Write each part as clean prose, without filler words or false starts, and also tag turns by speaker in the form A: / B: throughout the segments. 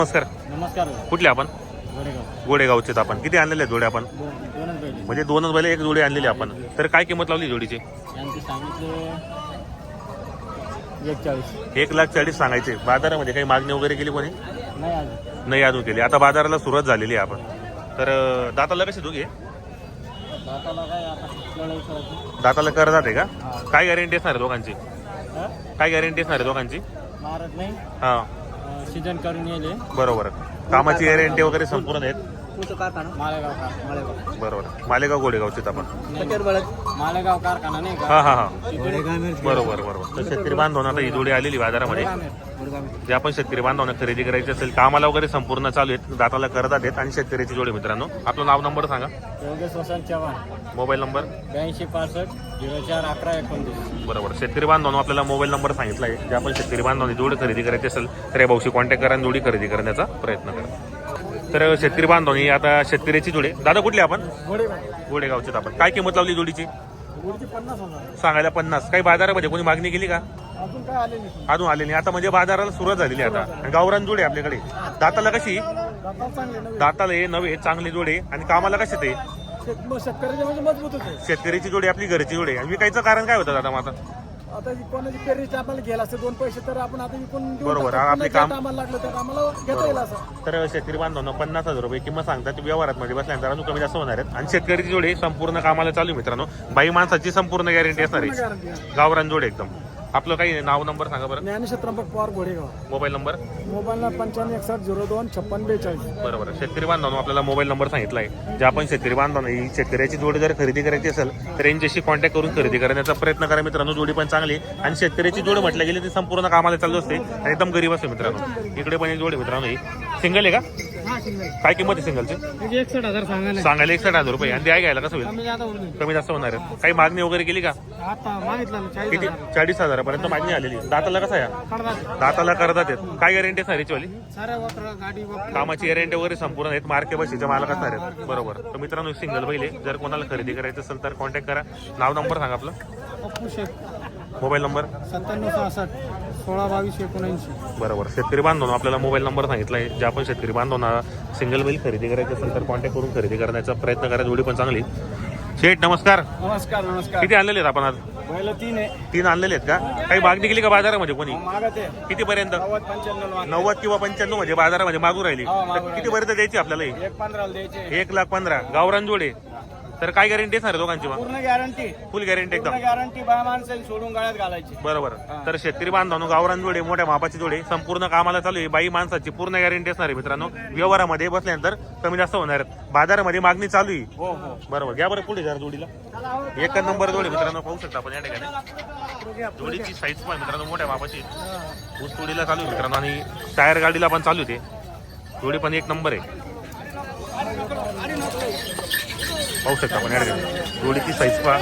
A: नमस्कार.
B: नमस्कार.
A: कुठले आपण?
B: गोडेगाव.
A: गोडेगावचे आपण. किती आणलेले आहेत जोडे आपण?
B: दोनच बैल.
A: म्हणजे दोनच बैल एक जोडी आणलेली आपण. तर काय किंमत लावली जोडीची?
B: यांची सांगितले 41.
A: 1,40,000 सांगायचे. बाजारामध्ये काही मागणी वगैरे केली कोणी?
B: नाही अजून.
A: नाही अजून केली. आता बाजाराला सुरुवात झालेली आहे आपण. तर दाताला कसे दोघे?
B: दाताला काय आता लढाई करायची.
A: दाताला कर जाते का? काय गॅरंटी असणार आहे दोघांची?
B: हा?
A: काय गॅरंटी असणार आहे दोघांची?
B: मारत नाही.
A: हां
B: सीजन करून येले.
A: बरोबर. कामाची गॅरंटी वगैरे संपूर्ण आहेत.
B: कुठं कारखाना? मालेगाव.
A: बरोबर. मालेगाव गोडेगावचे आपण.
B: मालेगाव कारखाना नाही का?
A: हां हां हां बरोबर बरोबर. तर शेतकरी बांधवांना आता ही जोडी आलेली बाजारामध्ये. जे आपण शेतकरी बांधवांना खरेदी करायची असेल कामाला वगैरे संपूर्ण चालू आहेत. दाताला करतात आहेत आणि शेतकरीची जोडी. मित्रांनो आपलं नाव नंबर सांगा.
B: योगेश वसंत चव्हाण.
A: Mobile number
B: 8265 04 11 29.
A: बरोबर. शेतकरी बांधवांनो आपल्याला मोबाईल नंबर सांगितला आहे. जे आपण शेतकरी बांधवांनी जोडी खरेदी करायची असेल तर या भाऊशी कॉन्टॅक्ट करा आणि जोडी खरेदी करण्याचा प्रयत्न करा. तर शेतकरी बांधवांनी आता शेतकरीची जोडी. दादा कुठली आपण? गोडेगावचे आपण. काय किंमत लावली जोडीची?
B: 50,000.
A: सांगायला 50. काही बाजारामध्ये कोणी मागणी केली का?
B: अजून काय आले नाही.
A: अजून आले नाही. आता म्हणजे बाजाराला सुरुवात झालेली आहे आता. गावरान जोडे आपल्याकडे. दाताला कशी?
B: दाताला चांगले नवीन.
A: दाताला हे नवे चांगले जोडे आणि कामाला कसे ते?
B: शेतकऱ्याचे म्हणजे मजबूत होते.
A: शेतकरीची जोडी आपली घरची जोडी. आणि विकायचं कारण काय होतं दादा मग आता?
B: आता कोणाची पेरणीचे आपल्याला घ्यायला असते 2 पैसे तर आपण आता विकून देऊ
A: बरोबर.
B: टाकतो.
A: आपले
B: पुन्हा
A: काम-
B: ज्या टायमाला लागलं त्या आम्हाला घेता येईल असं.
A: तर शेतकरी बांधवांना 50,000 रुपये किंमत सांगतात. व्यवहारात मध्ये बसल्यानंतर अजून कमी जास्त होणार आहेत. आणि शेतकरीची जोडी संपूर्ण कामाला चालू आहे मित्रांनो. बाई माणसाची संपूर्ण गॅरंटी असणार आहे.
B: गॅरंटी आहे.
A: गावरान जोडे एकदम. आपलं काही नाव नंबर सांगा बरं.
B: Dnyaneshwar Trimbak Pawar Godegaon.
A: Mobile number.
B: Mobile 9561025642.
A: बरोबर. शेतकरी बांधवांनो आपल्याला मोबाईल नंबर सांगितला आहे. जे आपण शेतकरी बांधवांना ही शेतकऱ्याची जोडी जर खरेदी करायची असेल तर यांच्याशी कॉन्टॅक्ट करून खरेदी करण्याचा प्रयत्न करा मित्रांनो. जोडी पण चांगली आहे. आणि शेतकऱ्याची जोडी म्हटलं गेली ती संपूर्ण कामाला चालू असते आणि एकदम गरीब असते मित्रांनो. इकडे पण एक जोडी मित्रांनो. ही सिंगल आहे का? काय किंमत आहे सिंगलची?
B: 61,000 सांगा.
A: सांगायला 61,000 रुपये. आणि द्याय घ्यायला कसं होईल?
B: कमी जादा होईल.
A: कमी जास्त होणार आहे. काही मागणी वगैरे केली का?
B: आता मागितलं
A: किती? 40,000 पर्यंत मागणी आलेली. दाताला कसा आहे? दाताला करतात आहेत. काय गॅरंटी असणार याची वाली?
B: साऱ्या वाटर गाडी
A: कामाची गॅरंटी वगैरे संपूर्ण आहेत. मार्के बशीच्या मालक असणार आहेत. बरोबर. तर मित्रांनो सिंगल बैल आहे. जर कोणाला खरेदी करायचं असेल तर कॉन्टॅक्ट करा. नाव नंबर सांगा आपलं.
B: पप्पू शेख.
A: मोबाईल नंबर
B: 9766 1622
A: बरोबर. शेतकरी बांधवांनो आपल्याला मोबाईल नंबर सांगितला आहे. जे आपण शेतकरी बांधवांना सिंगल बैल खरेदी करायची असेल तर कॉन्टॅक्ट करून खरेदी करण्याचा प्रयत्न करा. जोडी पण चांगली. शेठ नमस्कार.
B: नमस्कार. नमस्कार.
A: किती आणलेले आहेत आपण आज?
B: पहिलं 3 आहे.
A: 3 आणलेले आहेत का? काही मागणी केली का बाजारामध्ये कोणी?
B: मागत आहे
A: किती पर्यंत?
B: 90-95
A: 90 किंवा 95 म्हणजे बाजारामध्ये मागू राहिली.
B: हो, मागू
A: तर किती पर्यंत द्यायची आपल्याला?
B: 1,15 द्यायचे.
A: 1,15,000 गावरान जोडे. तर काय गॅरंटी असणार दोघांची मग?
B: पूर्ण गॅरंटी.
A: फुल गॅरंटी एकदम.
B: गॅरंटी बाय माणसं सोडून गाळ्यात घालायची.
A: बरोबर. तर शेतकरी बांधवांनो गावरान जोडे मोठ्या मापाची जोडे संपूर्ण कामाला चालू आहे. बाई माणसाची पूर्ण गॅरंटी असणार आहे मित्रांनो. व्यवहारामध्ये बसल्यानंतर कमी जास्त होणार आहेत. बाजारामध्ये मागणी चालू आहे.
B: हो हो.
A: बरोबर. घ्या बरं पुढे जरा जोडीला. एक नंबर जोडी मित्रांनो पाहू शकता आपण या ठिकाणी. जोडीची साईज पण मित्रांनो मोठ्या मापाची. ऊस तोडीला चालू आहे मित्रांनो आणि टायर गाडीला पण चालू आहे. जोडी पण एक नंबर आहे. पाहू शकता आपण या ठिकाणी जोडीची साईज पहा.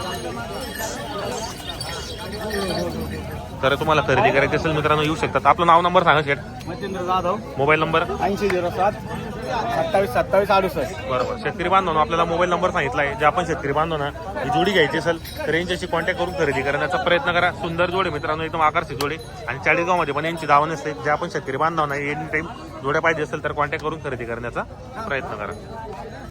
A: तर तुम्हाला खरेदी करायची असेल मित्रांनो येऊ शकतात. आपलं नाव नंबर सांगा शेठ.
B: मच्छिंद्र जाधव.
A: Mobile number
B: 8007 27 68.
A: बरोबर. शेतकरी बांधवांनो आपल्याला मोबाईल नंबर सांगितला आहे. जे आपण शेतकरी बांधवांना ही जोडी घ्यायची असेल तर यांच्याशी कॉन्टॅक्ट करून खरेदी करण्याचा प्रयत्न करा. सुंदर जोडे मित्रांनो एकदम आकर्षित जोडे. आणि चाळीसगावमध्ये पण यांची दावा नसते. जे आपण शेतकरी बांधवांना एनी टाईम जोड्या पाहिजे असेल तर कॉन्टॅक्ट करून खरेदी करण्याचा प्रयत्न करा.